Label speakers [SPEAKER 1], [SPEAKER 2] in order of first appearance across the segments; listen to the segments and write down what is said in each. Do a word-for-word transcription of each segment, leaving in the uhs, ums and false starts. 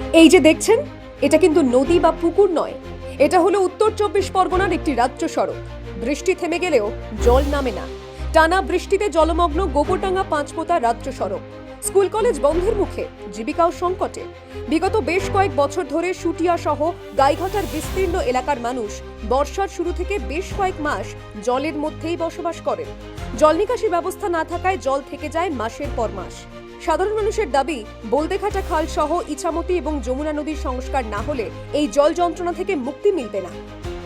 [SPEAKER 1] এই যে দেখছেন, এটা কিন্তু নদী বা পুকুর নয়, এটা হলো উত্তর চব্বিশ পরগনার একটি রাজ্য সড়ক। বৃষ্টি থেমে গেলেও জল নামে না। টানা বৃষ্টিতে জলমগ্ন গোবরডাঙ্গা পাঁচপোতা রাজ্য সড়ক। স্কুল কলেজ বন্ধের মুখে, জীবিকাও সংকটে। বিগত বেশ কয়েক বছর ধরে শুটিয়া সহ গাইঘাটার বিস্তীর্ণ এলাকার মানুষ বর্ষার শুরু থেকে বেশ কয়েক মাস জলের মধ্যেই বসবাস করেন। জল নিকাশি ব্যবস্থা না থাকায় জল থেকে যায় মাসের পর মাস। সাধারণ মানুষের দাবি, বলদেঘাটা খাল সহ ইছামতি এবং যমুনা নদীর সংস্কার না হলে এই জল যন্ত্রণা থেকে মুক্তি মিলবে না।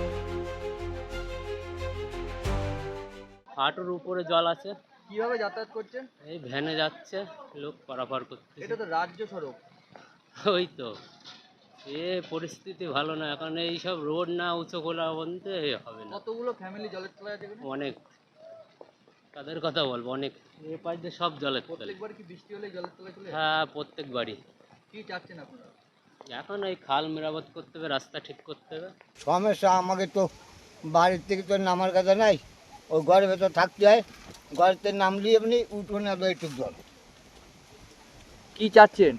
[SPEAKER 2] হাঁটুর উপরে জল আছে।
[SPEAKER 3] কিভাবে যাতায়াত করছেন?
[SPEAKER 2] এই ভ্যানে যাচ্ছে লোক পারাপার করতে।
[SPEAKER 3] এটা তো রাজ্য সড়ক।
[SPEAKER 2] ওই তো এ পরিস্থিতি ভালো না এখন, এই সব রোড না উঁচু খোলা বলতে হবে না।
[SPEAKER 3] কতগুলো ফ্যামিলি জলের তলায় আছে এখানে?
[SPEAKER 2] অনেক, তাদের কথা বলবো, অনেক। এ পাশ দিয়ে সব জলের তলে।
[SPEAKER 3] প্রত্যেকবার কি বৃষ্টি হলে জলের তলায় চলে যায়?
[SPEAKER 2] হ্যাঁ, প্রত্যেকবারই।
[SPEAKER 3] কি চাচ্ছেন আপনারা?
[SPEAKER 2] এখন এই খাল মেরামত করতে হবে, রাস্তা ঠিক করতে হবে।
[SPEAKER 4] সমস্যা আমাকে তো বাড়ির থেকে তো নামার কথা নাই, ওই ঘরের ভেতর থাকতে হয়। ঘরেতে নামলি এমনি উঠোনে একটু জল।
[SPEAKER 3] কি চাচ্ছেন?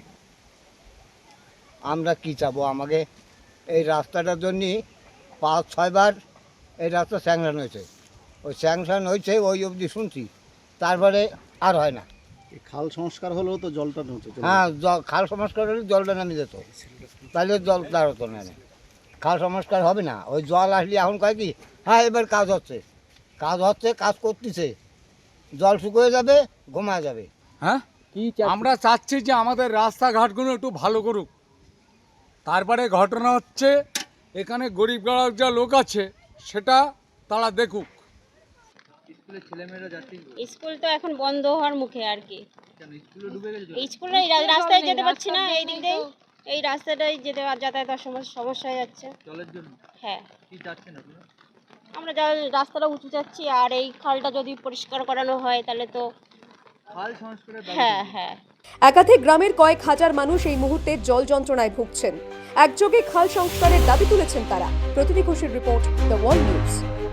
[SPEAKER 4] আমরা কি চাবো? আমাকে এই রাস্তাটার জন্যে পাঁচ ছয়বার এই রাস্তা স্যাংশন হয়েছে। ওই স্যাংশন হয়েছে ওই অবধি শুনছি, তারপরে আর হয় না।
[SPEAKER 5] এই খাল সংস্কার হলেও তো জলটা ঢুকছে।
[SPEAKER 4] হ্যাঁ, জল খাল সংস্কার হলে জলটা নামে যেত, তাহলে জল দাঁড়াতো না। খাল সংস্কার হবে না, ওই জল আসলে এখন কয় কি, হ্যাঁ এবার কাজ হচ্ছে, কাজ হচ্ছে, কাজ করতেছে, জল শুকিয়ে যাবে, ঘুমায় যাবে।
[SPEAKER 6] হ্যাঁ,
[SPEAKER 3] কি
[SPEAKER 6] আমরা চাচ্ছি যে আমাদের রাস্তাঘাটগুলো একটু ভালো করুক। তারপরে ঘটনা হচ্ছে এখানে গরিব গড়ার যা লোক আছে সেটা তারা দেখুক।
[SPEAKER 3] স্কুলের ছেলেমেয়েরা যাচ্ছে?
[SPEAKER 7] স্কুল তো এখন বন্ধ হওয়ার মুখে আর কি।
[SPEAKER 3] কেন স্কুলে ডুবে গেছে জল?
[SPEAKER 7] স্কুলে এই রা- রাস্তায় যেতে পারছি না, এই দিক দিয়ে এই রাস্তাটাই যেতে যাতায়াতের সমস্যা সমস্যা হয়ে যাচ্ছে।
[SPEAKER 3] জলের জন্য
[SPEAKER 7] হ্যাঁ,
[SPEAKER 3] কি চাচ্ছেন আপনারা?
[SPEAKER 7] আমরা যা রাস্তাটা উঁচু চাচ্ছি, আর এই খালটা যদি পরিষ্কার করানো হয় তাহলে তো
[SPEAKER 3] খাল সংস্কারের দাবি
[SPEAKER 7] হ্যাঁ
[SPEAKER 3] করছেন?
[SPEAKER 7] হ্যাঁ
[SPEAKER 1] একাধিক গ্রামের কয়েক হাজার মানুষ এই মুহূর্তে জল যন্ত্রণায় ভুগছেন। একযোগে খাল সংস্কারের দাবি তুলেছেন তারা। প্রতিটি খুশির রিপোর্ট, দ্য ওয়ার্ল্ড নিউজ।